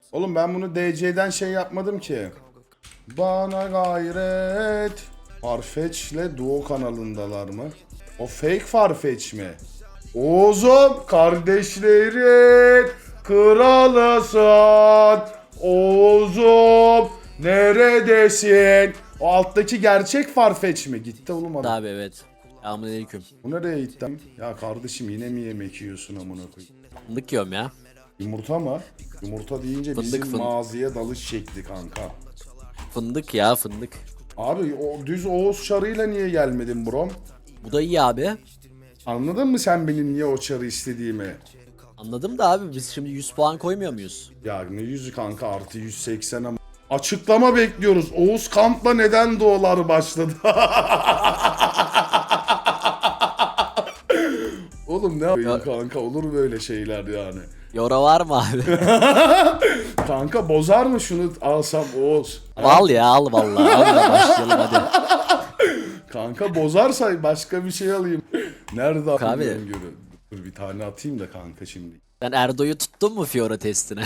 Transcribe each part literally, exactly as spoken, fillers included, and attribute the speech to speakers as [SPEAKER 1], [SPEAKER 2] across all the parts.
[SPEAKER 1] Oğlum ben bunu D C'den şey yapmadım ki. Bana gayret. Farfetch'le Duo kanalındalar mı? O fake Farfetch mi? Oğuz'um kardeşlerin kralısın. Oğuz'um neredesin? O alttaki gerçek Farfetch mi? Gitti oğlum adam.
[SPEAKER 2] Abi evet. Selamünaleyküm.
[SPEAKER 1] Bu nereye gittim? Ya kardeşim yine mi yemek yiyorsun amına koyayım?
[SPEAKER 2] Fındık yiyorum ya.
[SPEAKER 1] Yumurta mı? Yumurta deyince
[SPEAKER 2] Fındık,
[SPEAKER 1] bizim
[SPEAKER 2] fındık.
[SPEAKER 1] maziye dalış şekli kanka.
[SPEAKER 2] Fındık ya fındık.
[SPEAKER 1] Abi o düz Oğuz çarıyla niye gelmedin brom?
[SPEAKER 2] Bu da iyi abi.
[SPEAKER 1] Anladın mı sen benim niye o çarı istediğimi?
[SPEAKER 2] Anladım da abi biz şimdi yüz puan koymuyor muyuz?
[SPEAKER 1] Ya ne yüzü kanka artı yüz seksen ama. Açıklama bekliyoruz. Oğuz Kamp'la neden doğular başladı? Oğlum ne yapayım kanka, olur böyle şeyler yani.
[SPEAKER 2] Yora var mı abi?
[SPEAKER 1] Kanka bozar mı şunu alsam Oğuz?
[SPEAKER 2] Al ya al vallahi. Al da başlayalım hadi.
[SPEAKER 1] Kanka bozarsa başka bir şey alayım. Nerede
[SPEAKER 2] abi.
[SPEAKER 1] atayım görü? Dur bir tane atayım da kanka şimdi.
[SPEAKER 2] Sen Erdo'yu tuttun mu Fiora testine?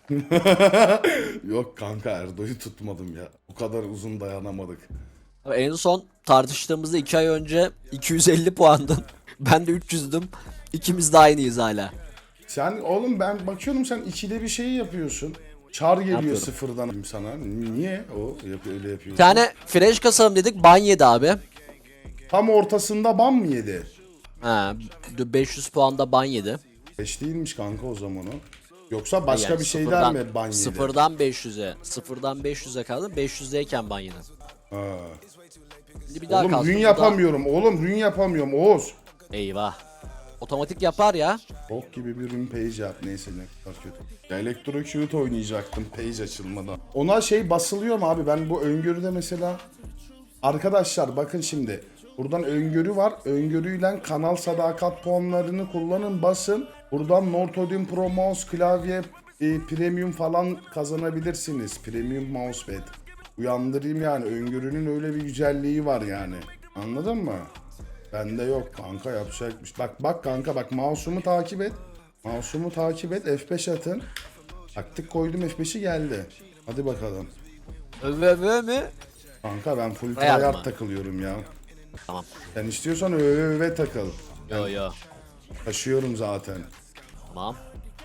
[SPEAKER 1] Yok kanka Erdo'yu tutmadım ya. Bu kadar uzun dayanamadık.
[SPEAKER 2] Abi en son tartıştığımızda iki ay önce iki yüz elli puandın. Ben de üç yüzdüm. İkimiz de aynıyız hala.
[SPEAKER 1] Sen oğlum ben bakıyorum sen ikide bir şeyi yapıyorsun. Çar geliyor
[SPEAKER 2] Yapıyorum.
[SPEAKER 1] sıfırdan sana. Niye o yap öyle
[SPEAKER 2] Bir
[SPEAKER 1] yapıyorsun?
[SPEAKER 2] tane fresh kasalım dedik ban yedi abi.
[SPEAKER 1] Tam ortasında ban mı yedi?
[SPEAKER 2] Ha, beş yüz puanda ban yedi.
[SPEAKER 1] beş değilmiş kanka o zaman o. Yoksa başka
[SPEAKER 2] Yani
[SPEAKER 1] bir şeyden
[SPEAKER 2] sıfırdan-
[SPEAKER 1] mi ban yedi?
[SPEAKER 2] Sıfırdan beş yüze. Sıfırdan beş yüze kaldım. beş yüzdeyken ban yedim.
[SPEAKER 1] Ha.
[SPEAKER 2] Şimdi bir daha
[SPEAKER 1] Oğlum
[SPEAKER 2] kalktım.
[SPEAKER 1] rün
[SPEAKER 2] bu da-
[SPEAKER 1] yapamıyorum. Oğlum rün yapamıyorum Oğuz.
[SPEAKER 2] Eyvah. Otomatik yapar ya.
[SPEAKER 1] Bok gibi bir rün page yap. Neyse ne kadar kötü. Ya Electrocute oynayacaktım page açılmadan. Ona şey basılıyor mu abi? Ben bu öngörüde mesela... Arkadaşlar bakın şimdi. Buradan öngörü var. Öngörüyle kanal sadakat puanlarını kullanın, basın. Buradan Nortodin Pro Mouse klavye e, premium falan kazanabilirsiniz. Premium mousepad. Uyandırayım yani. Öngörünün öyle bir güzelliği var yani. Anladın mı? Bende yok kanka, yapacakmış. Bak bak kanka bak, mouse'umu takip et. Mouse'umu takip et. F beş atın. Taktik koydum, F beşi geldi. Hadi bakalım.
[SPEAKER 2] Öve öve mi?
[SPEAKER 1] Kanka ben full
[SPEAKER 2] Hayal
[SPEAKER 1] tryhard
[SPEAKER 2] mı?
[SPEAKER 1] takılıyorum ya.
[SPEAKER 2] Tamam.
[SPEAKER 1] Sen istiyorsan öve öve takıl.
[SPEAKER 2] Yo yo.
[SPEAKER 1] Taşıyorum zaten.
[SPEAKER 2] Tamam.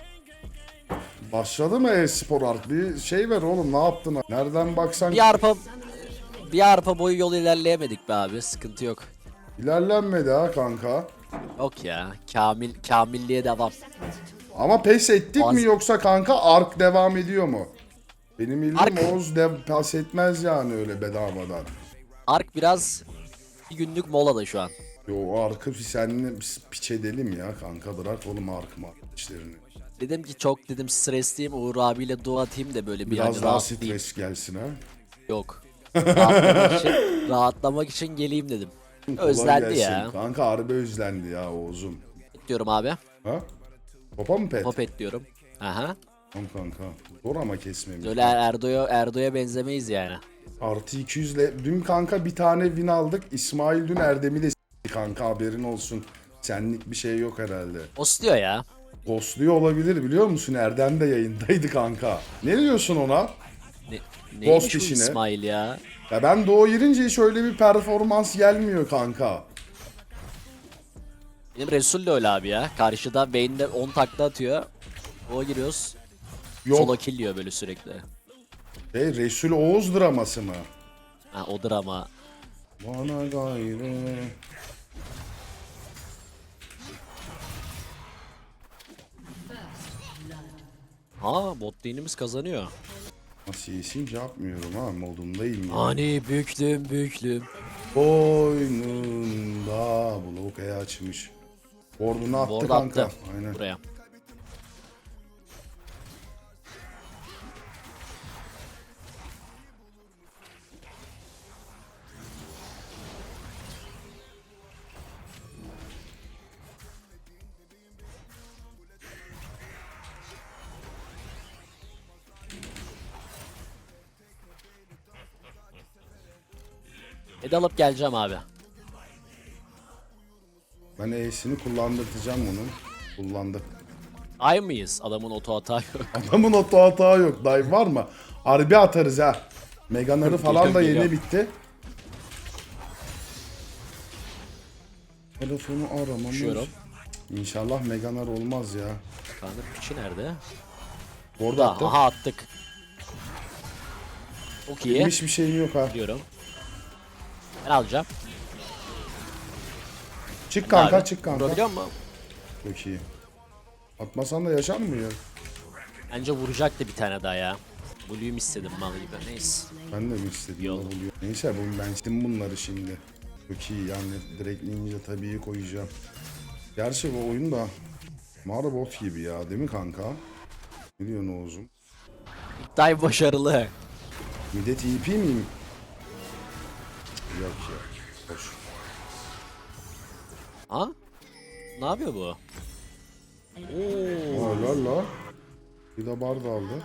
[SPEAKER 1] Başladı mı e-spor art? Bir şey ver oğlum, ne yaptın? Nereden baksan
[SPEAKER 2] Bir arpa bir arpa boyu yol ilerleyemedik be abi. Sıkıntı yok.
[SPEAKER 1] ilerlenmedi ha kanka.
[SPEAKER 2] Yok ya. Kamil kamilliğe devam.
[SPEAKER 1] Ama pes ettik
[SPEAKER 2] Az-
[SPEAKER 1] mi yoksa kanka ark devam ediyor mu? Benim bildiğim
[SPEAKER 2] Ark-
[SPEAKER 1] Oğuz de pes etmez yani öyle bedavadan.
[SPEAKER 2] Ark biraz bir günlük molada şu an.
[SPEAKER 1] Yo o arkı senle piç edelim ya kanka, bırak oğlum ark mı işlerini.
[SPEAKER 2] Dedim ki çok dedim stresliyim, Uğur abiyle dua atayım da böyle bir
[SPEAKER 1] Biraz
[SPEAKER 2] hani
[SPEAKER 1] daha
[SPEAKER 2] rahatlayayım.
[SPEAKER 1] stres gelsin ha.
[SPEAKER 2] Yok. Rahatlamak için, rahatlamak için geleyim dedim.
[SPEAKER 1] Kolay
[SPEAKER 2] Özlendi
[SPEAKER 1] gelsin.
[SPEAKER 2] ya.
[SPEAKER 1] Kanka harbi özlendi ya Oğuz'um.
[SPEAKER 2] Diyorum abi.
[SPEAKER 1] Ha? Topa mı pet?
[SPEAKER 2] Popet diyorum. Aha.
[SPEAKER 1] Tamam kanka. Zor ama kesmemiz.
[SPEAKER 2] Öyle Erdo'ya Erdo'ya benzemeyiz yani.
[SPEAKER 1] Artı iki yüz ile dün kanka bir tane win aldık. İsmail dün Erdem'i de s**ti kanka, haberin olsun. Senlik bir şey yok herhalde.
[SPEAKER 2] Osluyor ya.
[SPEAKER 1] Ghostluyor olabilir, biliyor musun? Erdem de yayındaydı kanka. Ne diyorsun ona?
[SPEAKER 2] Ne,
[SPEAKER 1] Ghost
[SPEAKER 2] neymiş bu
[SPEAKER 1] işine.
[SPEAKER 2] İsmail ya?
[SPEAKER 1] Ya ben Doğu girince hiç öyle bir performans gelmiyor kanka.
[SPEAKER 2] Benim Resul de öyle abi ya. Karşıda Vayne'de on takla atıyor. O giriyoruz.
[SPEAKER 1] Yok.
[SPEAKER 2] Solo kill diyor böyle sürekli.
[SPEAKER 1] Şey, Resul Oğuz draması mı?
[SPEAKER 2] Ha odur ama.
[SPEAKER 1] Bana gayrı.
[SPEAKER 2] Ha bot lane'imiz kazanıyor.
[SPEAKER 1] Nasıl yesin yapmıyorum ha, modundayım ya.
[SPEAKER 2] Hani büklüm büklüm.
[SPEAKER 1] Boynunda blokeyi açmış. Ward'unu attı
[SPEAKER 2] Ward
[SPEAKER 1] kanka.
[SPEAKER 2] attı.
[SPEAKER 1] Aynen.
[SPEAKER 2] Buraya. Ed alıp geleceğim abi.
[SPEAKER 1] Ben E'sini kullandırtacağım onu. Kullandık.
[SPEAKER 2] Ay mıyız? Adamın oto hata yok.
[SPEAKER 1] Adamın oto hata yok. Dive var mı? Harbi atarız ha. Meganarı falan da
[SPEAKER 2] Geliyorum,
[SPEAKER 1] yeni
[SPEAKER 2] geliyorum.
[SPEAKER 1] bitti. Telefonu aramamız.
[SPEAKER 2] Düşüyorum.
[SPEAKER 1] İnşallah Meganar olmaz ya.
[SPEAKER 2] Kanka piçi nerede?
[SPEAKER 1] Orada
[SPEAKER 2] Da,
[SPEAKER 1] attı.
[SPEAKER 2] aha attık. Çok iyi.
[SPEAKER 1] Benim hiçbir şeyim yok ha.
[SPEAKER 2] Diyorum. Ben alacağım.
[SPEAKER 1] Çık kanka
[SPEAKER 2] Abi,
[SPEAKER 1] çık kanka.
[SPEAKER 2] vurabiliyor mu?
[SPEAKER 1] Çok iyi. Atmasan da yaşar mı ya?
[SPEAKER 2] Bence vuracaktı bir tane daha ya. Blue'yum istedim mal gibi. Neyse.
[SPEAKER 1] Ben de mi istedim?
[SPEAKER 2] Yol.
[SPEAKER 1] Oluyor. Neyse bu ben istedim bunları şimdi. Çok iyi yani direkt ninja tabii koyacağım. Gerçi bu oyun da Mario bot gibi ya değil mi kanka? Ne diyorsun Oğuz'um?
[SPEAKER 2] İlk dive başarılı.
[SPEAKER 1] Millet E P miyim? Yok ya. Hoş.
[SPEAKER 2] Ha? Ne yapıyor bu? Oo.
[SPEAKER 1] Aa la la. Bir de bar da aldı.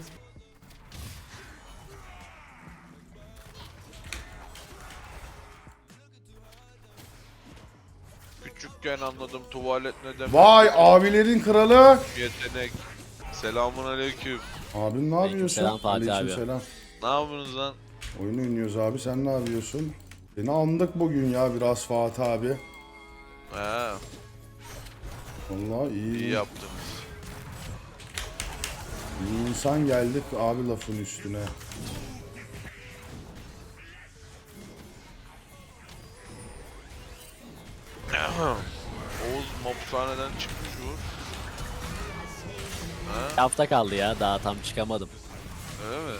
[SPEAKER 3] Küçükken anladım tuvalet ne demek.
[SPEAKER 1] Vay abilerin kralı.
[SPEAKER 3] Yetenek. Selamun aleyküm.
[SPEAKER 1] Abim ne yapıyorsun?
[SPEAKER 2] Aleykümselam Fatih abi.
[SPEAKER 1] Aleykümselam.
[SPEAKER 3] Ne yapıyorsunuz lan?
[SPEAKER 1] Oyun oynuyoruz abi sen ne yapıyorsun? Seni andık bugün ya biraz Fatih abi.
[SPEAKER 3] He,
[SPEAKER 1] Vallahi iyi.
[SPEAKER 3] iyi yaptınız.
[SPEAKER 1] İyi insan geldik abi lafın üstüne.
[SPEAKER 3] Oğuz mopsaneden çıkmış Uğur.
[SPEAKER 2] Bir hafta kaldı ya. Daha tam çıkamadım.
[SPEAKER 3] Öyle mi?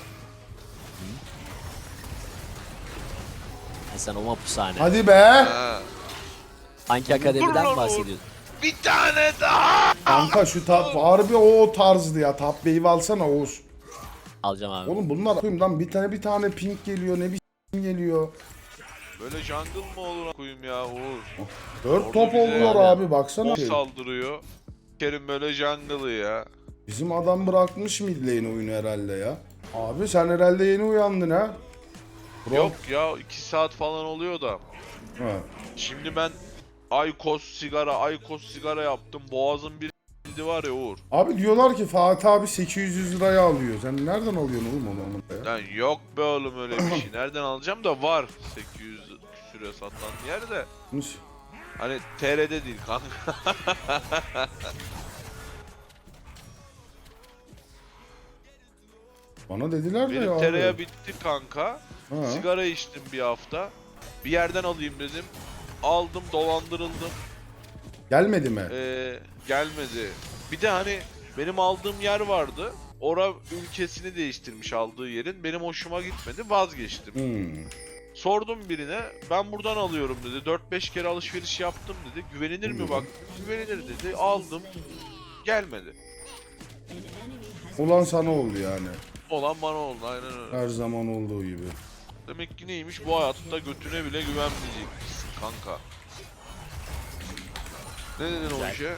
[SPEAKER 2] Ha, sen o mapushane.
[SPEAKER 1] Hadi be.
[SPEAKER 3] He.
[SPEAKER 2] Hangi akademiden
[SPEAKER 3] Dur lan
[SPEAKER 2] bahsediyorsun?
[SPEAKER 3] Bir tane daha.
[SPEAKER 1] Kanka şu tap harbi o tarzdı ya. Top wave'i alsana Oğuz.
[SPEAKER 2] Alacağım abi.
[SPEAKER 1] Oğlum bunlar koyayım bir tane bir tane pink geliyor ne bir s*** geliyor.
[SPEAKER 3] Böyle jungle mı olur koyayım ya Uğur?
[SPEAKER 1] Dört
[SPEAKER 3] Orada
[SPEAKER 1] top
[SPEAKER 3] bize
[SPEAKER 1] oldular
[SPEAKER 2] yani
[SPEAKER 1] abi baksana.
[SPEAKER 3] O saldırıyor. Kerim böyle jungle'ı ya.
[SPEAKER 1] Bizim adam bırakmış mid lane oyunu herhalde ya. Abi sen herhalde yeni uyandın ha. Bro.
[SPEAKER 3] Yok ya iki saat falan oluyor da.
[SPEAKER 1] Ha.
[SPEAKER 3] Şimdi ben Aykos sigara, Aykos sigara yaptım. Boğazım bir s**ldi var ya Uğur.
[SPEAKER 1] Abi diyorlar ki Fatih abi sekiz yüz liraya alıyor. Sen nereden alıyorsun oğlum onu onu ya?
[SPEAKER 3] Lan yok be oğlum öyle bir şey. Nereden alacağım da var. sekiz yüz küsüre satan yer de.
[SPEAKER 1] Nasıl?
[SPEAKER 3] Hani T R'de değil kanka.
[SPEAKER 1] Bana dediler de ya
[SPEAKER 3] Benim
[SPEAKER 1] abi.
[SPEAKER 3] tereyağı bitti kanka.
[SPEAKER 1] Ha.
[SPEAKER 3] Sigara içtim bir hafta. Bir yerden alayım dedim. Aldım dolandırıldım.
[SPEAKER 1] Gelmedi mi?
[SPEAKER 3] Ee, gelmedi. Bir de hani benim aldığım yer vardı. Ora ülkesini değiştirmiş aldığı yerin. Benim hoşuma gitmedi vazgeçtim.
[SPEAKER 1] Hmm.
[SPEAKER 3] Sordum birine ben buradan alıyorum dedi. dört beş kere alışveriş yaptım dedi. Güvenilir mi bak? Güvenilir dedi. Aldım. Gelmedi.
[SPEAKER 1] Ulan sana oldu yani.
[SPEAKER 3] Olan bana oldu aynen öyle.
[SPEAKER 1] Her zaman olduğu gibi.
[SPEAKER 3] Demek ki neymiş bu hayatta götüne bile güvenmeyecekmişsin kanka. Ne dedin o işe?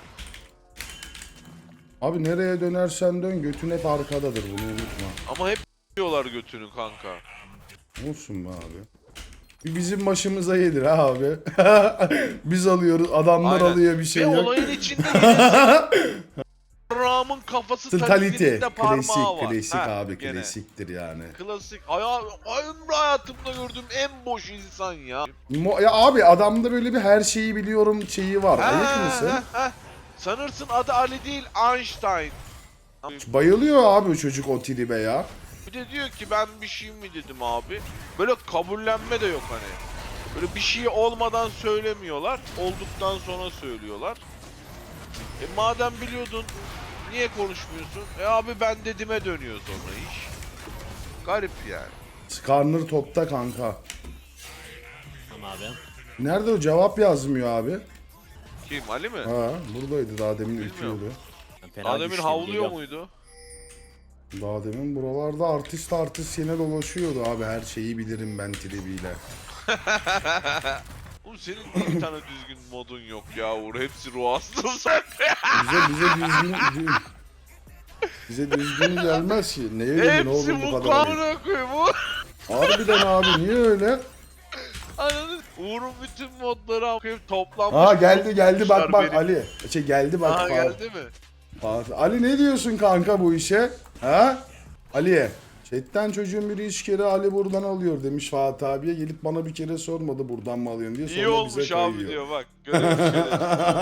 [SPEAKER 1] Abi nereye dönersen dön götün hep arkadadır bunu unutma.
[SPEAKER 3] Ama hep diyorlar götünü kanka.
[SPEAKER 1] Olsun be abi. Bir bizim başımıza gelir ha abi. Biz alıyoruz adamlar
[SPEAKER 3] Aynen.
[SPEAKER 1] alıyor bir şey
[SPEAKER 3] Ve
[SPEAKER 1] yok.
[SPEAKER 3] olayın içinde yenisi Ram'ın kafası tabii
[SPEAKER 1] Mentality.
[SPEAKER 3] birinde parmağı
[SPEAKER 1] Klasik
[SPEAKER 3] var.
[SPEAKER 1] klasik
[SPEAKER 3] Heh,
[SPEAKER 1] abi
[SPEAKER 3] gene.
[SPEAKER 1] klasiktir yani.
[SPEAKER 3] Klasik. Aya, ömrü hayatımda gördüğüm en boş insan ya.
[SPEAKER 1] Mo- ya abi adamda böyle bir her şeyi biliyorum şeyi var. Ayık mısın?
[SPEAKER 3] Ha, ha. Sanırsın adı Ali değil Einstein.
[SPEAKER 1] Bayılıyor abi o çocuk o tribe ya.
[SPEAKER 3] Bir de diyor ki ben bir şey mi dedim abi. Böyle kabullenme de yok hani. Böyle bir şey olmadan söylemiyorlar. Olduktan sonra söylüyorlar. E madem biliyordun niye konuşmuyorsun? E abi ben dedime dönüyor sonra iş. Garip yani.
[SPEAKER 1] Skarner topta kanka.
[SPEAKER 2] Tamam abi.
[SPEAKER 1] Nerede o cevap yazmıyor abi.
[SPEAKER 3] Kim Ali mi?
[SPEAKER 1] Ha buradaydı daha demin
[SPEAKER 3] Bilmiyorum.
[SPEAKER 1] ürküyordu.
[SPEAKER 2] Ben fena
[SPEAKER 3] Adem'in
[SPEAKER 2] güçlüyüm,
[SPEAKER 3] havluyor
[SPEAKER 2] geliyorum.
[SPEAKER 3] muydu?
[SPEAKER 1] Daha demin buralarda artist artist yine dolaşıyordu abi her şeyi bilirim ben tribiyle.
[SPEAKER 3] Oğlum senin niye bir tane düzgün modun yok ya Uğur? Hepsi ruh hastası.
[SPEAKER 1] Bize bize düzgün bize düzgün gelmez ki. Neye dedin
[SPEAKER 3] Hepsi
[SPEAKER 1] oğlum bu
[SPEAKER 3] bu
[SPEAKER 1] kadar?
[SPEAKER 3] kamera koyayım Uğur.
[SPEAKER 1] Harbiden abi niye öyle?
[SPEAKER 3] Anladın? Uğur'un bütün modları okuyup toplanmış.
[SPEAKER 1] Aa geldi geldi bak bak
[SPEAKER 3] benim.
[SPEAKER 1] Ali. Şey geldi bak.
[SPEAKER 3] Aa
[SPEAKER 1] Fa-
[SPEAKER 3] geldi mi?
[SPEAKER 1] Fatih- Ali ne diyorsun kanka bu işe? Ha? Ali'ye. Chatten çocuğun biri üç kere Ali buradan alıyor demiş Fatih abiye. Gelip bana bir kere sormadı buradan mı alıyorsun diye. Sonra
[SPEAKER 3] İyi olmuş
[SPEAKER 1] bize
[SPEAKER 3] abi
[SPEAKER 1] kayıyor.
[SPEAKER 3] diyor bak. Görev şerefsiz.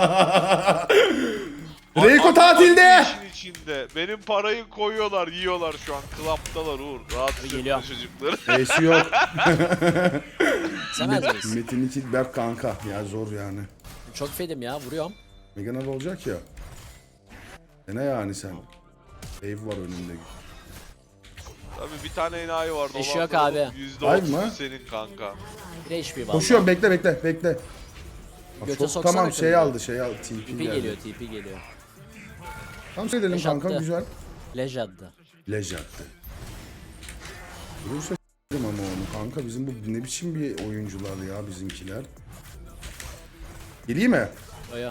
[SPEAKER 1] Reiko
[SPEAKER 3] Abi,
[SPEAKER 1] tatilde.
[SPEAKER 3] işin içinde. Benim parayı koyuyorlar, yiyorlar şu an. Klaptalar Uğur. Rahatsız etme
[SPEAKER 2] Geliyor.
[SPEAKER 3] çocukları.
[SPEAKER 1] Eşi yok.
[SPEAKER 2] Sen misin?
[SPEAKER 1] Metin iki Berk kanka. Ya zor yani.
[SPEAKER 2] Çok fedim ya, vuruyorum.
[SPEAKER 1] Megan olacak ya. E ne yani sen? Ev var önünde.
[SPEAKER 3] Tabii bir tane enayi var.
[SPEAKER 2] İş yok
[SPEAKER 3] dolandırıldı.
[SPEAKER 2] abi.
[SPEAKER 3] yüzde
[SPEAKER 1] Ay
[SPEAKER 3] otuz
[SPEAKER 1] mı?
[SPEAKER 3] senin kanka.
[SPEAKER 2] Bir H P valla.
[SPEAKER 1] Koşuyorum bekle bekle bekle. Bak,
[SPEAKER 2] Göte
[SPEAKER 1] çok-
[SPEAKER 2] soksana
[SPEAKER 1] tamam
[SPEAKER 2] kızı.
[SPEAKER 1] şey aldı şey aldı. T P
[SPEAKER 2] T P
[SPEAKER 1] geldi.
[SPEAKER 2] geliyor, T P geliyor.
[SPEAKER 1] Tam şey dedim
[SPEAKER 2] Beş
[SPEAKER 1] kanka
[SPEAKER 2] attı.
[SPEAKER 1] güzel.
[SPEAKER 2] Lej attı.
[SPEAKER 1] Lej attı. Vurursa s**tim ama onu kanka bizim bu ne biçim bir oyuncular ya bizimkiler. Geleyim mi?
[SPEAKER 2] Oya.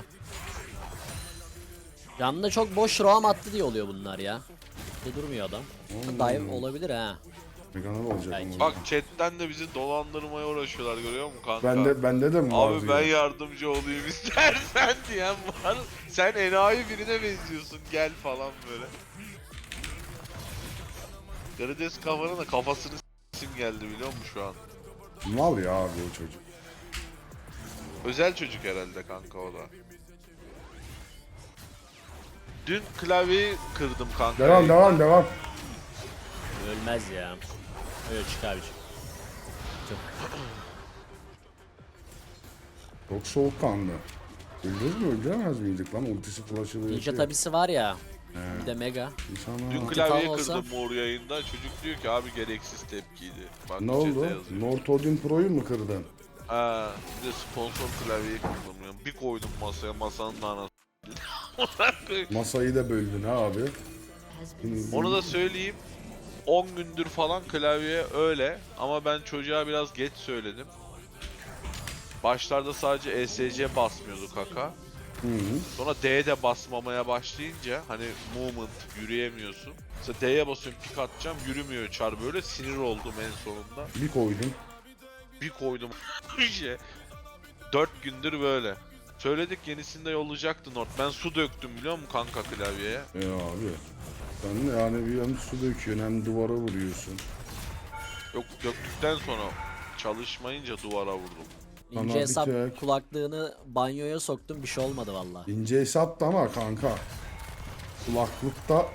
[SPEAKER 2] Yanında çok boş roam attı diye oluyor bunlar ya. Bir durmuyor adam. Dive olabilir ha.
[SPEAKER 1] Megan'a olacak
[SPEAKER 2] Belki.
[SPEAKER 1] ama.
[SPEAKER 3] Bak chatten de bizi dolandırmaya uğraşıyorlar görüyor musun kanka?
[SPEAKER 1] Bende bende de mi var
[SPEAKER 3] Abi
[SPEAKER 1] diyor.
[SPEAKER 3] ben yardımcı olayım istersen diyen var. Sen enayi birine benziyorsun gel falan böyle. Karides kafanın da kafasını s**sim geldi biliyor musun şu an?
[SPEAKER 1] Mal ya abi o çocuk.
[SPEAKER 3] Özel çocuk herhalde kanka o da. Dün klavyeyi kırdım kanka.
[SPEAKER 1] Devam devam devam.
[SPEAKER 2] Ölmez ya. Öyle çık abi. çık.
[SPEAKER 1] Çok soğukkanlı. Öldürür mü öldüremez miydik lan ultisi flash'ı böyle.
[SPEAKER 2] Ninja
[SPEAKER 1] şey.
[SPEAKER 2] tabisi var ya. Bir de mega.
[SPEAKER 1] İnsanlar-
[SPEAKER 3] Dün
[SPEAKER 2] Titan
[SPEAKER 3] klavyeyi
[SPEAKER 2] olsa-
[SPEAKER 3] kırdım Uğur yayında. Çocuk diyor ki abi gereksiz tepkiydi. Bak
[SPEAKER 1] Ne
[SPEAKER 3] chat'e
[SPEAKER 1] oldu?
[SPEAKER 3] yazıyor.
[SPEAKER 1] North Odin Pro'yu mu kırdın?
[SPEAKER 3] Ha, bir de sponsor klavyeyi kırdım ya. Bir koydum masaya masanın da anasını.
[SPEAKER 1] Masayı da böldün ha abi.
[SPEAKER 3] Onu da söyleyeyim. on gündür falan klavye öyle ama ben çocuğa biraz geç söyledim. Başlarda sadece E S C basmıyordu kaka.
[SPEAKER 1] Hı hı.
[SPEAKER 3] Sonra D'ye de basmamaya başlayınca hani movement yürüyemiyorsun. Mesela D'ye basıyorum pik atacağım yürümüyor çar böyle sinir oldum en sonunda.
[SPEAKER 1] Bir koydum.
[SPEAKER 3] Bir koydum şey. dört gündür böyle. Söyledik yenisini de yollayacaktı Nord. Ben su döktüm biliyor musun kanka klavyeye?
[SPEAKER 1] E abi. Sen yani bir hem su döküyorsun hem duvara vuruyorsun.
[SPEAKER 3] Yok döktükten sonra çalışmayınca duvara vurdum.
[SPEAKER 1] Bana
[SPEAKER 2] İnce
[SPEAKER 1] bir
[SPEAKER 2] hesap
[SPEAKER 1] tek-
[SPEAKER 2] kulaklığını banyoya soktum, bir şey olmadı valla.
[SPEAKER 1] İnce hesap da ama kanka. Kulaklıkta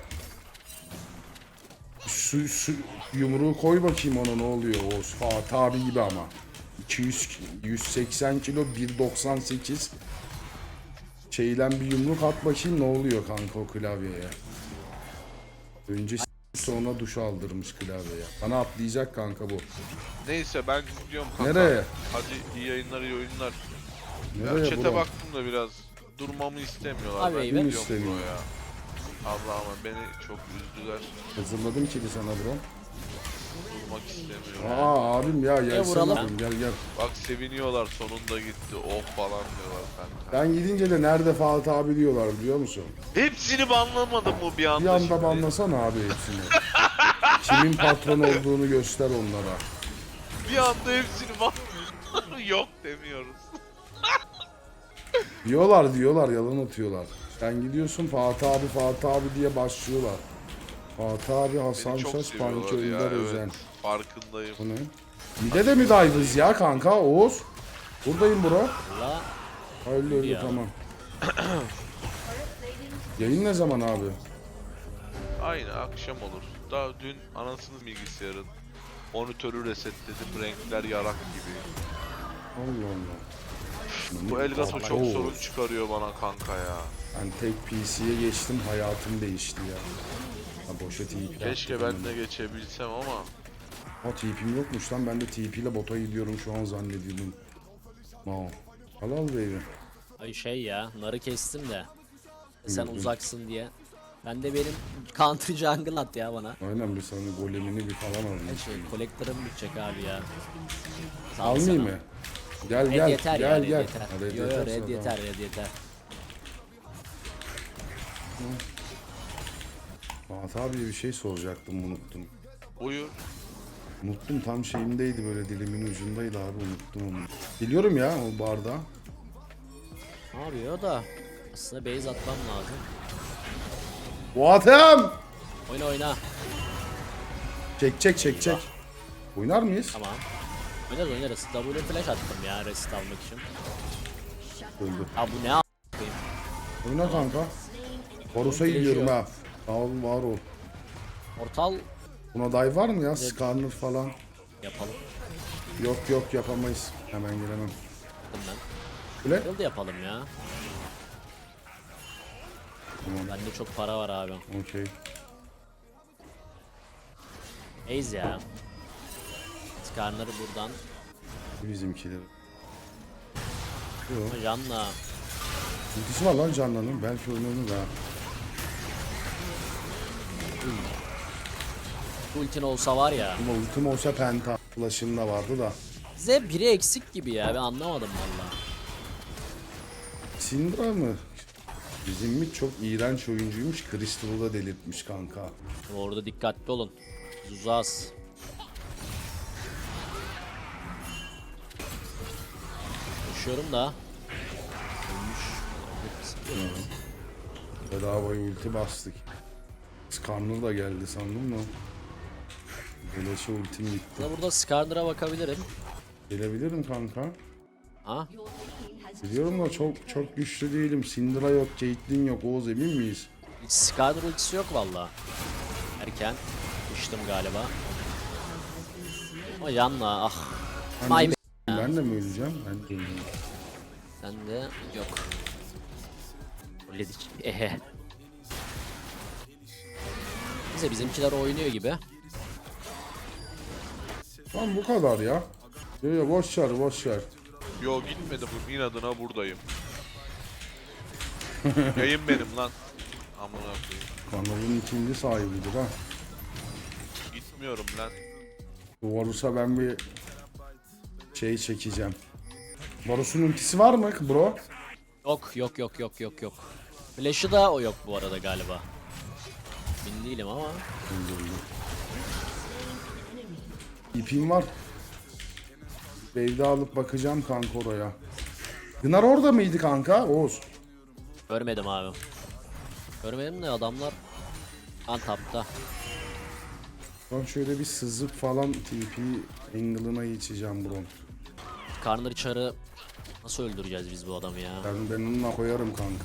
[SPEAKER 1] su, su yumruğu koy bakayım ona ne oluyor o Fatih abi gibi ama. iki yüz yüz seksen kilo bir doksan sekiz şeylen bir yumruk at bakayım ne oluyor kanka o klavyeye. Önce s- sonra duş aldırmış klavyeye. Bana atlayacak kanka bu.
[SPEAKER 3] Neyse ben gidiyorum kanka.
[SPEAKER 1] Nereye?
[SPEAKER 3] Hadi iyi yayınlar iyi oyunlar. Ya
[SPEAKER 1] Nereye
[SPEAKER 3] chat'e
[SPEAKER 1] bro?
[SPEAKER 3] baktım da biraz durmamı istemiyorlar.
[SPEAKER 2] Abi,
[SPEAKER 3] ben
[SPEAKER 2] ben
[SPEAKER 3] gidiyorum
[SPEAKER 1] istemiyorum.
[SPEAKER 3] buraya. Allah'ım beni çok üzdüler.
[SPEAKER 1] Hazırladım ki bir sana bro.
[SPEAKER 3] Durmak istemiyorum.
[SPEAKER 1] Aa abim ya gelsene
[SPEAKER 2] vuralım.
[SPEAKER 1] abim, gel gel.
[SPEAKER 3] Bak seviniyorlar sonunda gitti. Oh falan diyorlar kanka.
[SPEAKER 1] Ben gidince de nerede Fatih abi diyorlar biliyor musun?
[SPEAKER 3] Hepsini banlamadım mı bir anda
[SPEAKER 1] Bir anda
[SPEAKER 3] şimdi?
[SPEAKER 1] banlasana abi hepsini. Kimin patron olduğunu göster onlara.
[SPEAKER 3] Bir anda hepsini ban... Yok demiyoruz.
[SPEAKER 1] Diyorlar diyorlar yalan atıyorlar. Sen gidiyorsun Fatih abi Fatih abi diye başlıyorlar. Fatih abi Hasan
[SPEAKER 3] Beni çok
[SPEAKER 1] Şaş
[SPEAKER 3] seviyorlar
[SPEAKER 1] Panki
[SPEAKER 3] ya
[SPEAKER 1] Önder
[SPEAKER 3] evet.
[SPEAKER 1] Özen.
[SPEAKER 3] Farkındayım.
[SPEAKER 1] Bu ne? Mide de mi dive'ız ya kanka Oğuz? Buradayım bro.
[SPEAKER 2] Valla
[SPEAKER 1] Öyle öyle
[SPEAKER 2] Ya.
[SPEAKER 1] tamam. Yayın ne zaman abi?
[SPEAKER 3] Aynı akşam olur. Daha dün anasının bilgisayarın monitörü resetledim renkler yarak gibi.
[SPEAKER 1] Allah Allah.
[SPEAKER 3] Bu Elgato çok
[SPEAKER 1] Oğuz.
[SPEAKER 3] sorun çıkarıyor bana kanka ya.
[SPEAKER 1] Ben tek P C'ye geçtim hayatım değişti ya. Ha boşa T P.
[SPEAKER 3] Keşke ben de geçebilsem ama
[SPEAKER 1] O T P'm yokmuş lan ben de T P ile bota gidiyorum şu an zannediyordum. Wow. Halal baby.
[SPEAKER 2] ay şey ya, narı kestim de. Sen
[SPEAKER 1] Hı hı.
[SPEAKER 2] uzaksın diye. Ben de benim country jungle at ya bana.
[SPEAKER 1] Aynen bir sana golemini bir falan
[SPEAKER 2] Her
[SPEAKER 1] alayım.
[SPEAKER 2] şey collector'ım bitecek abi ya. Sağ ol
[SPEAKER 1] Almayayım
[SPEAKER 2] sana.
[SPEAKER 1] mı? Gel
[SPEAKER 2] Red
[SPEAKER 1] gel
[SPEAKER 2] yeter
[SPEAKER 1] gel
[SPEAKER 2] ya, red
[SPEAKER 1] gel.
[SPEAKER 2] yeter.
[SPEAKER 1] Ha, red
[SPEAKER 2] Yo yo
[SPEAKER 1] yeterse
[SPEAKER 2] red
[SPEAKER 1] tamam.
[SPEAKER 2] yeter, red yeter.
[SPEAKER 1] Fatih abi bir şey soracaktım unuttum.
[SPEAKER 3] buyur.
[SPEAKER 1] Unuttum tam şeyimdeydi böyle dilimin ucundaydı abi unuttum onu. Biliyorum ya o barda.
[SPEAKER 2] Ne yapıyor da? Aslında base atmam lazım.
[SPEAKER 1] Fuat'ım!
[SPEAKER 2] Oyna oyna.
[SPEAKER 1] Çek çek çek çek. Oynar mıyız?
[SPEAKER 2] Tamam. Oynarız oynarız. W flash attım ya rest almak için.
[SPEAKER 1] Öldü.
[SPEAKER 2] Ha bu ne a**ayım.
[SPEAKER 1] Oyna kanka. Varus'a gidiyorum ha. Sağ ol var ol.
[SPEAKER 2] Portal
[SPEAKER 1] Buna dive var mı ya? Skarner falan.
[SPEAKER 2] yapalım.
[SPEAKER 1] Yok yok yapamayız. Hemen giremem.
[SPEAKER 2] Dedim ben.
[SPEAKER 1] Öyle.
[SPEAKER 2] Build yapalım ya.
[SPEAKER 1] Tamam.
[SPEAKER 2] Bende çok para var abi.
[SPEAKER 1] Okey.
[SPEAKER 2] Ace ya. Skarner'ı buradan.
[SPEAKER 1] Bizimkiler. Yok.
[SPEAKER 2] Janna.
[SPEAKER 1] Ultisi var lan Canlan'ın. Belki oynanır ha.
[SPEAKER 2] Ultin olsa var ya.
[SPEAKER 1] Ama ultim olsa penta. Flash'ın da vardı da.
[SPEAKER 2] Bize biri eksik gibi ya. Ben anlamadım valla.
[SPEAKER 1] Syndra mı? Bizim mi çok iğrenç oyuncuymuş. Crystal'ı da delirtmiş kanka.
[SPEAKER 2] Orada dikkatli olun. Zuzas. Koşuyorum da. Ölmüş.
[SPEAKER 1] Bedavaya ulti bastık. Skarner da geldi sandım mı? Beleşe ultim gitti.
[SPEAKER 2] Burada, burada Skarner'a bakabilirim.
[SPEAKER 1] Gelebilirim kanka.
[SPEAKER 2] Ha?
[SPEAKER 1] Biliyorum da çok çok güçlü değilim. Syndra yok, Caitlyn yok. Oğuz emin miyiz?
[SPEAKER 2] Hiç Skarner ultisi yok valla. Erken. Düştüm galiba. Ama yanla ah.
[SPEAKER 1] Ben,
[SPEAKER 2] My
[SPEAKER 1] de, ben de mi öleceğim? Ben de öleceğim.
[SPEAKER 2] Sen de yok. Fulledik. Ehe. Bize bizimkiler oynuyor gibi.
[SPEAKER 1] Tamam bu kadar ya. Yo yo boş ver boş ver.
[SPEAKER 3] Yo gitmedim. İnadına buradayım. Yayın benim lan. Amına koyayım.
[SPEAKER 1] Kanalın ikinci sahibidir ha.
[SPEAKER 3] Gitmiyorum lan.
[SPEAKER 1] Varus'a ben bir şey çekeceğim. Varus'un ultisi var mı bro?
[SPEAKER 2] Yok yok yok yok yok yok. Flash'ı da o yok bu arada galiba. Emin değilim ama.
[SPEAKER 1] İpim var. Wave'de alıp bakacağım kanka oraya. Gınar orada mıydı kanka? Oğuz.
[SPEAKER 2] Görmedim abi. Görmedim de adamlar Antap'ta.
[SPEAKER 1] Ben şöyle bir sızıp falan T P angle'ına geçeceğim bro.
[SPEAKER 2] Karnır çarı nasıl öldüreceğiz biz bu adamı ya?
[SPEAKER 1] Ben, ben onunla koyarım kanka.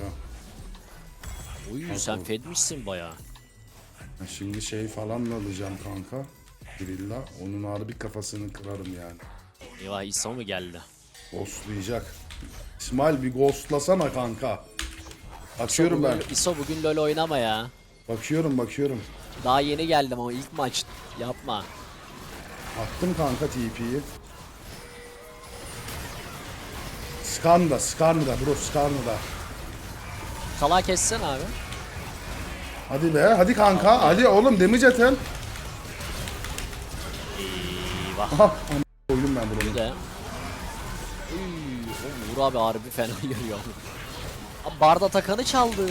[SPEAKER 2] Uy sen fedmişsin baya.
[SPEAKER 1] Ben şimdi şey falan da alacağım kanka. Grilla. Onun harbi kafasını kırarım yani.
[SPEAKER 2] Eyvah İsa mı geldi?
[SPEAKER 1] Ghostlayacak. İsmail bir ghostlasana kanka. Bakıyorum ben.
[SPEAKER 2] İso bugün LoL oynama ya.
[SPEAKER 1] Bakıyorum bakıyorum.
[SPEAKER 2] Daha yeni geldim ama ilk maç yapma.
[SPEAKER 1] Attım kanka T P'yi. Skanda, Skanda bro, Skanda.
[SPEAKER 2] Kala kessen abi.
[SPEAKER 1] Hadi be, hadi kanka, hadi oğlum damage atın.
[SPEAKER 2] Eyvah.
[SPEAKER 1] Aha, am- koydum ben bunu.
[SPEAKER 2] Bir de. Uy, o Uğur abi harbi fena yürüyor. Abi Barda takanı çaldı.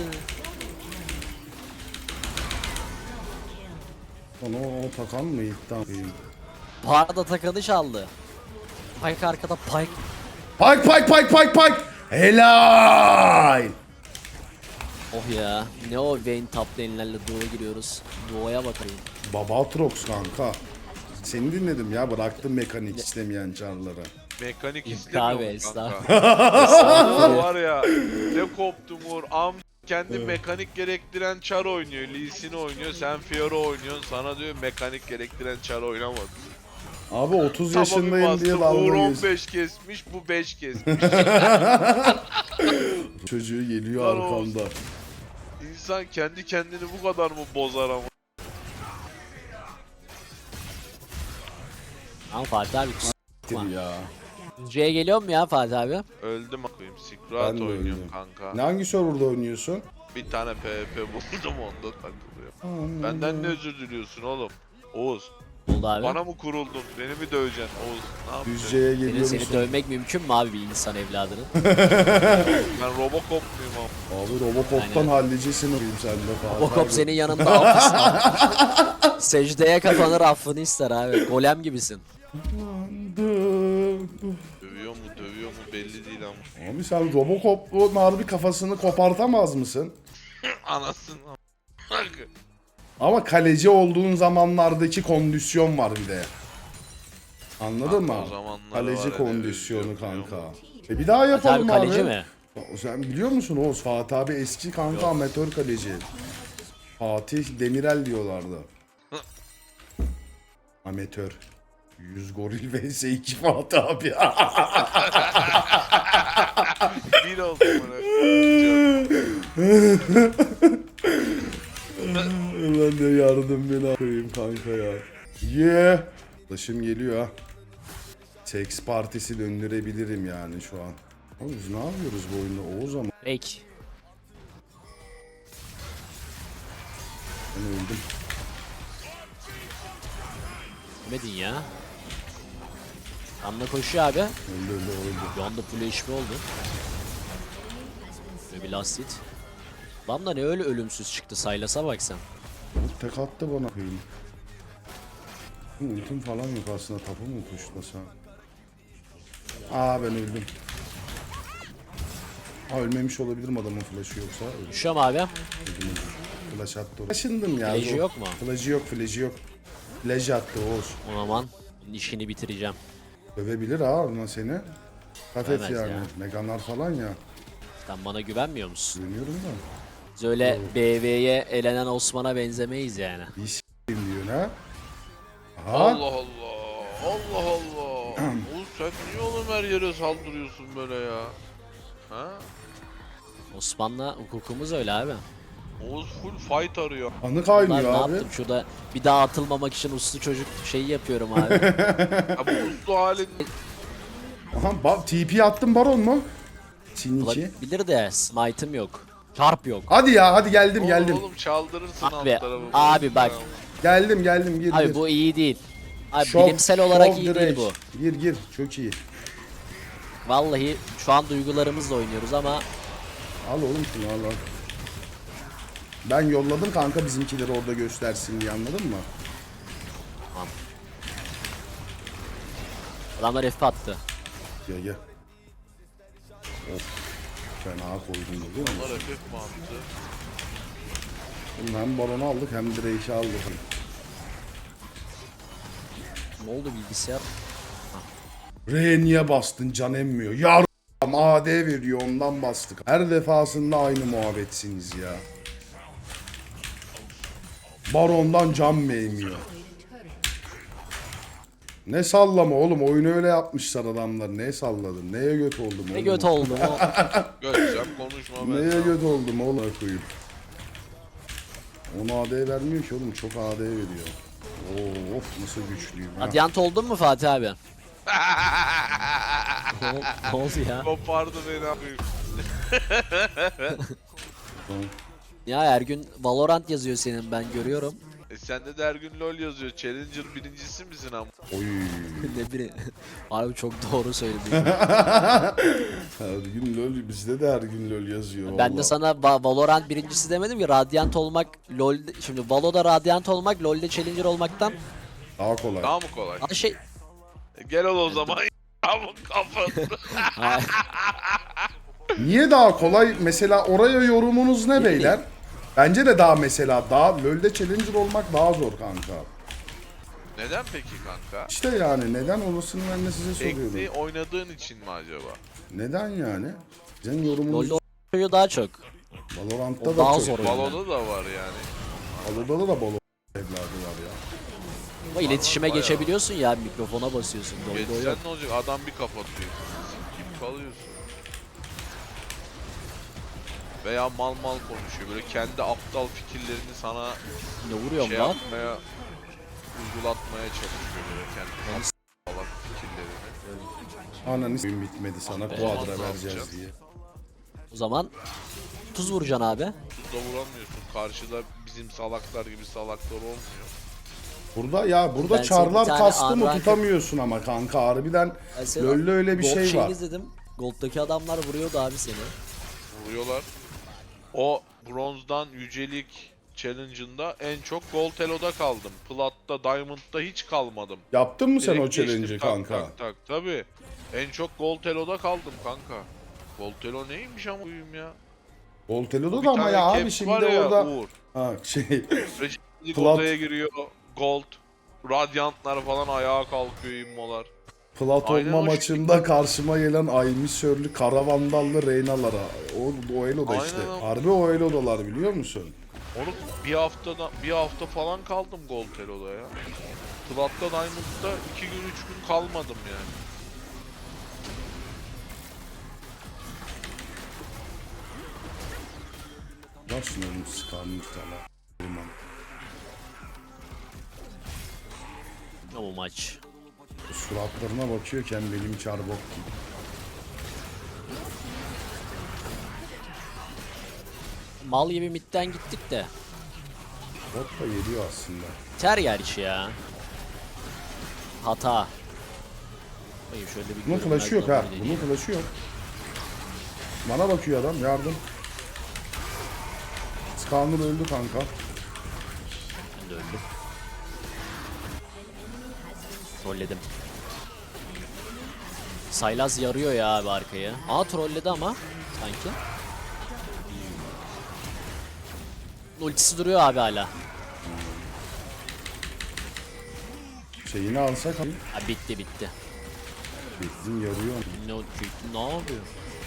[SPEAKER 1] Onu o takan mı ilkten?
[SPEAKER 2] Barda takanı çaldı. Pike arkada Pike.
[SPEAKER 1] Pike, Pike, Pike, Pike, Pike. Helal.
[SPEAKER 2] Oh ya. Ne o Vayne top lane'lerle Doğu'ya giriyoruz. Doğu'ya bakayım.
[SPEAKER 1] Babatrox kanka. Seni dinledim ya, bıraktım mekanik istemeyen çarları.
[SPEAKER 3] Mekanik
[SPEAKER 2] Abi
[SPEAKER 3] istemiyorum kanka.
[SPEAKER 2] estağfurullah.
[SPEAKER 3] Var ya ne koptum Uğur. Am kendi mekanik gerektiren çar oynuyor. Lee Sin oynuyor. Sen Fiora oynuyorsun. Sana diyor mekanik gerektiren çar oynamadı.
[SPEAKER 1] Abi otuz
[SPEAKER 3] Tamam, bir
[SPEAKER 1] yaşındayım diye
[SPEAKER 3] bastım, Uğur
[SPEAKER 1] dalga
[SPEAKER 3] on
[SPEAKER 1] geçiyor.
[SPEAKER 3] beş kesmiş. Bu beş kesmiş.
[SPEAKER 1] Çocuğu geliyor
[SPEAKER 3] Lan
[SPEAKER 1] arkamda.
[SPEAKER 3] İnsan kendi kendini bu kadar mı bozar ama?
[SPEAKER 2] Ama Fatih abi
[SPEAKER 1] Siktir ya.
[SPEAKER 2] C'ye geliyor mu ya Fatih abi?
[SPEAKER 3] Öldüm akıyım.
[SPEAKER 1] Ben
[SPEAKER 3] Sikrat
[SPEAKER 1] de
[SPEAKER 3] oynuyorum
[SPEAKER 1] öldüm.
[SPEAKER 3] kanka.
[SPEAKER 1] Ne hangi serverda oynuyorsun?
[SPEAKER 3] Bir tane P V P buldum onda takılıyor. Benden ne özür diliyorsun oğlum? Oğuz.
[SPEAKER 2] Oldu abi.
[SPEAKER 3] Bana mı kuruldun? Beni mi döveceksin Oğuz? Ne yapacaksın?
[SPEAKER 1] Düzce'ye
[SPEAKER 2] Senin,
[SPEAKER 1] geliyor
[SPEAKER 2] seni
[SPEAKER 1] musun?
[SPEAKER 2] dövmek mümkün mü abi bir insan evladının?
[SPEAKER 3] Ben Robocop muyum ama?
[SPEAKER 1] Abi Robocop'tan
[SPEAKER 2] Aynen.
[SPEAKER 1] halledeceksin oyun sen de Fatih
[SPEAKER 2] Robocop
[SPEAKER 1] abi.
[SPEAKER 2] senin yanında affısın. Secdeye kapanır affını ister abi. Golem gibisin.
[SPEAKER 3] Dövüyor mu dövüyor mu belli değil ama.
[SPEAKER 1] Abi sen Robocop'un harbi kafasını kopartamaz mısın?
[SPEAKER 3] Anasını.
[SPEAKER 1] Ama kaleci olduğun zamanlardaki kondisyon var bir de. Anladın
[SPEAKER 3] Kanka,
[SPEAKER 1] mı?
[SPEAKER 3] o zamanları
[SPEAKER 1] Kaleci
[SPEAKER 3] var,
[SPEAKER 1] kondisyonu
[SPEAKER 3] evet,
[SPEAKER 1] kanka.
[SPEAKER 3] yok.
[SPEAKER 1] E bir daha
[SPEAKER 2] Fatih abi
[SPEAKER 1] yapalım abi.
[SPEAKER 2] kaleci mi?
[SPEAKER 1] O- Sen biliyor musun Oğuz? Fatih abi eski kanka
[SPEAKER 2] Yok.
[SPEAKER 1] amatör kaleci. Fatih Demirel diyorlardı. Amatör. yüz goril vs iki Fatih abi.
[SPEAKER 3] Bir oldu bana.
[SPEAKER 1] Ulan ne yardım beni koyayım kanka ya. Yeah. Ulaşım geliyor ha. Seks partisi döndürebilirim yani şu an. Oğlum biz ne yapıyoruz bu oyunda Oğuz ama
[SPEAKER 2] Peki.
[SPEAKER 1] ben öldüm.
[SPEAKER 2] Demedin ya. Anla koşuyor abi.
[SPEAKER 1] Öldü öldü öldü.
[SPEAKER 2] Bir anda full H P oldu. Ve bir last hit. Lan da ne öyle ölümsüz çıktı, Sylas'a bak sen.
[SPEAKER 1] Tek attı bana koyayım. Ultim falan yok aslında, tapu mu tuşlasa? Aa ben öldüm. Aa ölmemiş olabilirim, adamın flash'ı yoksa. Öldüm.
[SPEAKER 2] Düşüyorum abi.
[SPEAKER 1] Öldüm. Flash attı. Taşındım ya.
[SPEAKER 2] Flash'ı
[SPEAKER 1] zor.
[SPEAKER 2] yok mu?
[SPEAKER 1] Flash'ı yok, flash'ı yok. Flash attı Oğuz.
[SPEAKER 2] O zaman işini bitireceğim.
[SPEAKER 1] Dövebilir ha ama seni. Kafet
[SPEAKER 2] Dövemez
[SPEAKER 1] yani.
[SPEAKER 2] ya.
[SPEAKER 1] Meganlar falan ya.
[SPEAKER 2] Sen bana güvenmiyor musun?
[SPEAKER 1] Güveniyorum da.
[SPEAKER 2] Biz öyle B V'ye elenen Osman'a benzemeyiz yani.
[SPEAKER 1] Bir s**eyim diyorsun ha. Aha.
[SPEAKER 3] Allah Allah. Allah Allah. Oğlum sen niye oğlum her yere saldırıyorsun böyle ya? Ha?
[SPEAKER 2] Osman'la hukukumuz öyle abi.
[SPEAKER 3] Oğuz full fight arıyor.
[SPEAKER 1] Anı
[SPEAKER 2] Lan
[SPEAKER 1] kaynıyor
[SPEAKER 2] ne
[SPEAKER 1] abi.
[SPEAKER 2] yaptım şurada, bir daha atılmamak için uslu çocuk şeyi yapıyorum abi.
[SPEAKER 3] Ya bu uslu halin
[SPEAKER 1] Aha ba- T P attın baron mu? Siniki.
[SPEAKER 2] Bilir de smite'ım yok. Çarp yok.
[SPEAKER 1] Hadi ya hadi geldim
[SPEAKER 3] oğlum,
[SPEAKER 1] geldim.
[SPEAKER 3] oğlum çaldırırsın alt
[SPEAKER 2] Abi,
[SPEAKER 3] tarafı.
[SPEAKER 2] abi bak.
[SPEAKER 1] Geldim geldim gir
[SPEAKER 2] Abi
[SPEAKER 1] gir.
[SPEAKER 2] bu iyi değil. Abi
[SPEAKER 1] Shock-
[SPEAKER 2] bilimsel olarak
[SPEAKER 1] shock
[SPEAKER 2] iyi değil
[SPEAKER 1] direct.
[SPEAKER 2] bu.
[SPEAKER 1] Gir gir çok iyi.
[SPEAKER 2] Vallahi şu an duygularımızla oynuyoruz ama
[SPEAKER 1] Al oğlum şunu al al. Ben yolladım kanka bizimkileri orada göstersin diye, anladın mı?
[SPEAKER 2] adamlar F attı.
[SPEAKER 1] Gel gel. Of. Fena koydum biliyor musun?
[SPEAKER 3] Bunlar F F mi attı?
[SPEAKER 1] Oğlum hem baronu aldık hem Drake'i aldık.
[SPEAKER 2] Ne oldu bilgisayar?
[SPEAKER 1] R niye bastın, can emmiyor. Yar A D veriyor ondan bastık. Her defasında aynı muhabbetsiniz ya. Baron'dan can mı emiyor? Ne sallama oğlum, oyunu öyle yapmışlar adamlar. Ne salladın? Neye göt oldum oğlum?
[SPEAKER 2] Ne göt oldum o.
[SPEAKER 3] Göteceğim konuşma ben.
[SPEAKER 1] Neye
[SPEAKER 3] sana.
[SPEAKER 1] göt oldum oğlum koyayım. Ona A D vermiyor ki oğlum, çok A D veriyor. Oo, of nasıl güçlüyüm ha.
[SPEAKER 2] Radyant oldun mu Fatih abi? ne, ol- ne oldu ya?
[SPEAKER 3] Kopardı beni abi.
[SPEAKER 2] Ya her gün Valorant yazıyor senin, ben görüyorum.
[SPEAKER 3] E sende de her gün LoL yazıyor. Challenger birincisi misin ama?
[SPEAKER 1] Oy.
[SPEAKER 2] ne biri. Abi çok doğru söyledin.
[SPEAKER 1] Her gün LoL, bizde de her gün LoL yazıyor.
[SPEAKER 2] Ben de
[SPEAKER 1] vallahi.
[SPEAKER 2] sana Va- Valorant birincisi demedim ki, Radiant olmak LoL, şimdi Valo'da Radiant olmak LoL'de Challenger olmaktan
[SPEAKER 1] Daha kolay.
[SPEAKER 3] Daha mı kolay?
[SPEAKER 2] daha şey.
[SPEAKER 3] E gel ol o zaman. Ama kafanı.
[SPEAKER 2] Hayır.
[SPEAKER 1] Niye daha kolay? Mesela oraya yorumunuz ne beyler? Bence de daha mesela daha LoL'de Challenger olmak daha zor kanka.
[SPEAKER 3] Neden peki kanka?
[SPEAKER 1] İşte yani neden orasını ben de size
[SPEAKER 3] Ekli
[SPEAKER 1] soruyorum.
[SPEAKER 3] oynadığın için mi acaba?
[SPEAKER 1] Neden yani? Sizin yorumunuz
[SPEAKER 2] LoL'de oynuyor daha çok.
[SPEAKER 1] Valorant'ta
[SPEAKER 2] O
[SPEAKER 1] da
[SPEAKER 2] daha
[SPEAKER 1] çok.
[SPEAKER 2] zor oynuyor.
[SPEAKER 3] Balonda da var yani.
[SPEAKER 1] Valo'da da balo evladı var ya.
[SPEAKER 2] Ama iletişime
[SPEAKER 3] bayağı.
[SPEAKER 2] geçebiliyorsun ya, mikrofona basıyorsun. LoL'de o
[SPEAKER 3] Geçsen
[SPEAKER 2] yok.
[SPEAKER 3] ne olacak? Adam bir kapatıyor. Kim kalıyorsun? Veya mal mal konuşuyor. Böyle kendi aptal fikirlerini sana
[SPEAKER 2] Ne vuruyorum
[SPEAKER 3] şey
[SPEAKER 2] lan?
[SPEAKER 3] yapmaya, uygulatmaya çalışıyor böyle kendi aptal fikirlerini.
[SPEAKER 1] Ananı s**eyim bitmedi sana
[SPEAKER 2] be.
[SPEAKER 1] kuadra
[SPEAKER 3] Ne
[SPEAKER 1] vereceğiz
[SPEAKER 3] yapacağız?
[SPEAKER 1] diye.
[SPEAKER 2] O zaman tuz vuracaksın abi.
[SPEAKER 3] Tuzda vuramıyorsun. Karşıda bizim salaklar gibi salaklar olmuyor.
[SPEAKER 1] Burada ya burada
[SPEAKER 2] Ben senin
[SPEAKER 1] çarlar
[SPEAKER 2] bir tane
[SPEAKER 1] kastı mı
[SPEAKER 2] unranked-
[SPEAKER 1] tutamıyorsun ama kanka harbiden
[SPEAKER 2] Ben senin
[SPEAKER 1] LoL'de öyle bir
[SPEAKER 2] Gold
[SPEAKER 1] şey
[SPEAKER 2] şeyini
[SPEAKER 1] var.
[SPEAKER 2] izledim. Gold'daki adamlar vuruyordu abi seni.
[SPEAKER 3] Vuruyorlar. O bronzdan yücelik challenge'ında en çok gold elo'da kaldım. Plat'ta, diamond'da hiç kalmadım.
[SPEAKER 1] Yaptın mı sen
[SPEAKER 3] Direkt
[SPEAKER 1] o challenge'ı
[SPEAKER 3] geçtim, tak,
[SPEAKER 1] kanka?
[SPEAKER 3] Tak tak tabi. En çok gold elo'da kaldım kanka. Gold elo neymiş ama uyum ya.
[SPEAKER 1] Voltelo'da
[SPEAKER 3] Bir
[SPEAKER 1] da ama
[SPEAKER 3] tane
[SPEAKER 1] ya
[SPEAKER 3] cap
[SPEAKER 1] abi şimdi
[SPEAKER 3] var ya,
[SPEAKER 1] orada
[SPEAKER 3] Uğur.
[SPEAKER 1] ha şey
[SPEAKER 3] Rejilik
[SPEAKER 1] Plat-
[SPEAKER 3] odaya giriyor. Gold. Radyantlar falan ayağa kalkıyor immolar.
[SPEAKER 1] plat
[SPEAKER 3] Aynen
[SPEAKER 1] olma
[SPEAKER 3] o
[SPEAKER 1] maçında karşıma gelen Aymisörlü Kara Vandallı Reyna'lara. O, o Elo'da
[SPEAKER 3] Aynen
[SPEAKER 1] işte.
[SPEAKER 3] o.
[SPEAKER 1] Harbi o Elo'dalar biliyor musun?
[SPEAKER 3] Oğlum bir haftada bir hafta falan kaldım Gold Elo'da ya. Plat'ta Diamond'da iki gün üç gün kalmadım yani.
[SPEAKER 1] Nasıl ölüm sıkanmış sana.
[SPEAKER 2] O maç.
[SPEAKER 1] Suratlarına bakıyorken benim çarbok gibi.
[SPEAKER 2] Mal gibi midden gittik de.
[SPEAKER 1] Bot da geliyor aslında.
[SPEAKER 2] Ter gerçi ya. Hata. Bakayım şöyle bir
[SPEAKER 1] Bunun
[SPEAKER 2] görünmez
[SPEAKER 1] flash'ı yok ha.
[SPEAKER 2] double
[SPEAKER 1] Bunun
[SPEAKER 2] deneyeyim.
[SPEAKER 1] flash'ı yok. Bana bakıyor adam yardım. Skarner öldü kanka.
[SPEAKER 2] Ben de öldüm. Trolledim. Saylaz yarıyor ya abi arkayı. Aa trolledi ama sanki. Ultisi duruyor abi hala.
[SPEAKER 1] Şeyini alsak abi.
[SPEAKER 2] Ha, bitti bitti.
[SPEAKER 1] Bizim yarıyor.
[SPEAKER 2] Ne, ne yapıyor?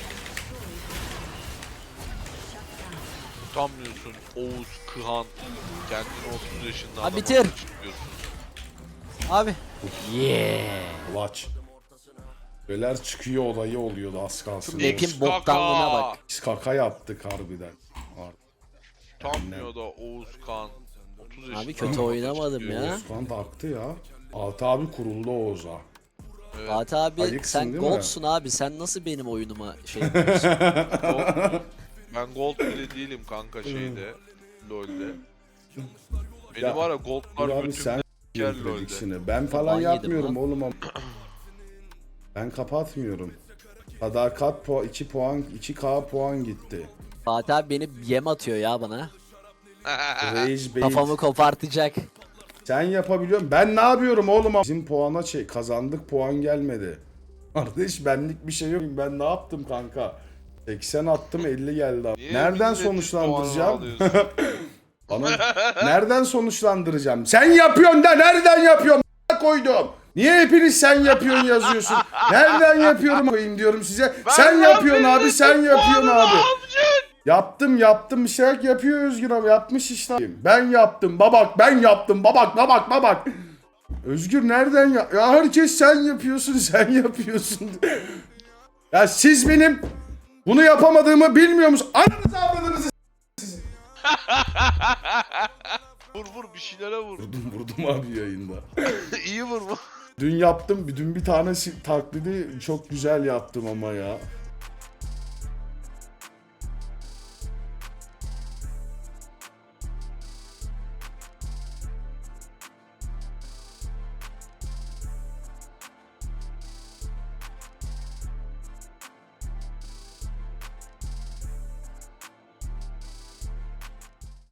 [SPEAKER 3] Utanmıyorsun Oğuz, Kıhan. Kendini otuz yaşında
[SPEAKER 2] Ha,
[SPEAKER 3] adam
[SPEAKER 2] bitir.
[SPEAKER 3] olarak çıkıyorsun.
[SPEAKER 2] Abi. Yeah.
[SPEAKER 1] Laç. Beler çıkıyor olayı oluyordu az kalsın.
[SPEAKER 2] Map'in
[SPEAKER 3] X
[SPEAKER 2] boktanlığına bak.
[SPEAKER 1] Biz kaka yaptık harbiden.
[SPEAKER 3] Utanmıyor da Oğuz, Kıhan. otuz yaşında
[SPEAKER 2] Abi kötü
[SPEAKER 3] adam olarak
[SPEAKER 2] oynamadım
[SPEAKER 3] çıkıyor.
[SPEAKER 2] ya.
[SPEAKER 1] Osman taktı ya. Altı abi kuruldu Oğuz'a.
[SPEAKER 3] Evet.
[SPEAKER 2] Fatih abi
[SPEAKER 1] Ayıksın
[SPEAKER 2] sen
[SPEAKER 1] değil mi?
[SPEAKER 2] goldsun abi. Sen nasıl benim oyunuma şey yapıyorsun?
[SPEAKER 3] Gold- ben gold bile değilim kanka şeyde. LoL'de. Benim
[SPEAKER 1] Ya,
[SPEAKER 3] var ya
[SPEAKER 1] Dur
[SPEAKER 3] goldlar
[SPEAKER 1] abi
[SPEAKER 3] götümde
[SPEAKER 1] sen
[SPEAKER 3] ker LoL'de.
[SPEAKER 1] prediksini. Ben falan
[SPEAKER 2] Ban yedim
[SPEAKER 1] yapmıyorum
[SPEAKER 2] lan.
[SPEAKER 1] oğlum ama. Ben kapatmıyorum. Sadakat puan iki puan iki K puan gitti.
[SPEAKER 2] Fatih abi beni yem atıyor ya bana.
[SPEAKER 1] Rage bait.
[SPEAKER 2] Kafamı kopartacak.
[SPEAKER 1] Sen yapabiliyorsun. Ben ne yapıyorum oğlum? Bizim puana şey kazandık puan gelmedi. Kardeş benlik bir şey yok. Ben ne yaptım kanka? seksen attım elli geldi.
[SPEAKER 3] Niye
[SPEAKER 1] Nereden
[SPEAKER 3] milletin
[SPEAKER 1] sonuçlandıracağım?
[SPEAKER 3] puanını alıyorsun?
[SPEAKER 1] Bana nereden sonuçlandıracağım? Sen yapıyorsun da nereden yapıyorsun? koydum. Niye hepiniz sen yapıyorsun yazıyorsun? Nereden yapıyorum koyayım diyorum size.
[SPEAKER 3] Ben
[SPEAKER 1] sen
[SPEAKER 3] ne
[SPEAKER 1] yapıyorsun
[SPEAKER 3] yapayım?
[SPEAKER 1] abi, sen yapıyorsun
[SPEAKER 3] Puanını
[SPEAKER 1] abi.
[SPEAKER 3] alacaksın.
[SPEAKER 1] Yaptım yaptım bir şeyler yapıyor Özgür abi, yapmış işte. Ben yaptım babak, ben yaptım babak babak babak. Özgür nereden ya? Ya herkes sen yapıyorsun sen yapıyorsun. Ya siz benim bunu yapamadığımı bilmiyor musunuz? Ananızı avradınızı.
[SPEAKER 3] Vur vur bir şeylere vur.
[SPEAKER 1] Vurdum vurdum abi yayında.
[SPEAKER 3] İyi vur mu?
[SPEAKER 1] Dün yaptım, dün bir tane si- taklidi çok güzel yaptım ama ya.